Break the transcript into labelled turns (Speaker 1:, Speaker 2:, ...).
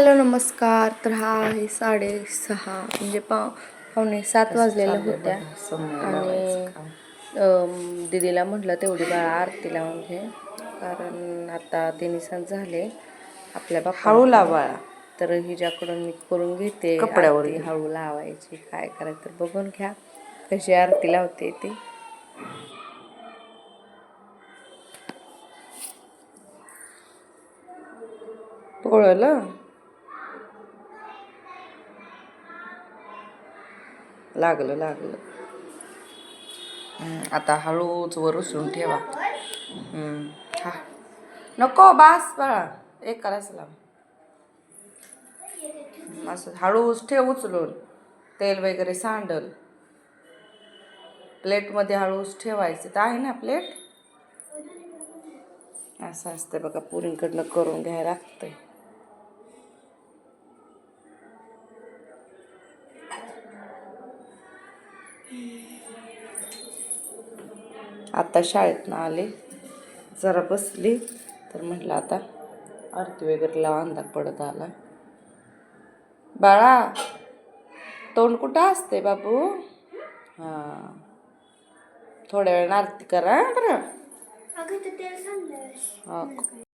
Speaker 1: Hello नमस्कार. तर हा आहे 6:30 म्हणजे पावणे 7 वाजलेल्या होत्या आणि दीदीला म्हटलं तेवढी बाळा आरती लावून घे, कारण आता 3 झाले आपल्या बाप्पा
Speaker 2: हळू लावा.
Speaker 1: तर हिच्याकडून मी करून घेते
Speaker 2: कपड्यावर
Speaker 1: आरती. हळू लावायची, काय करायचं तर बघून घ्या कशी आरती लावते ती.
Speaker 2: पोळलं लागलं. आता हळूच वर उचलून ठेवा. हा नको बास बाळा, एक करायचं लाव. असं हळूच ठेव उचलून, तेल वगैरे सांडल. प्लेटमध्ये हळूच ठेवायचं. तर आहे ना प्लेट. असं असतं बघा, पुरींकडनं करून घ्यायला लागतंय. आता शाळेतनं आले, जरा बसली तर म्हटलं आता आरती वगैरे लावा, अंधार पडत आला. बाळा तोंड कुठं असते बाबू? हां, थोड्या वेळ आरती करा बरं.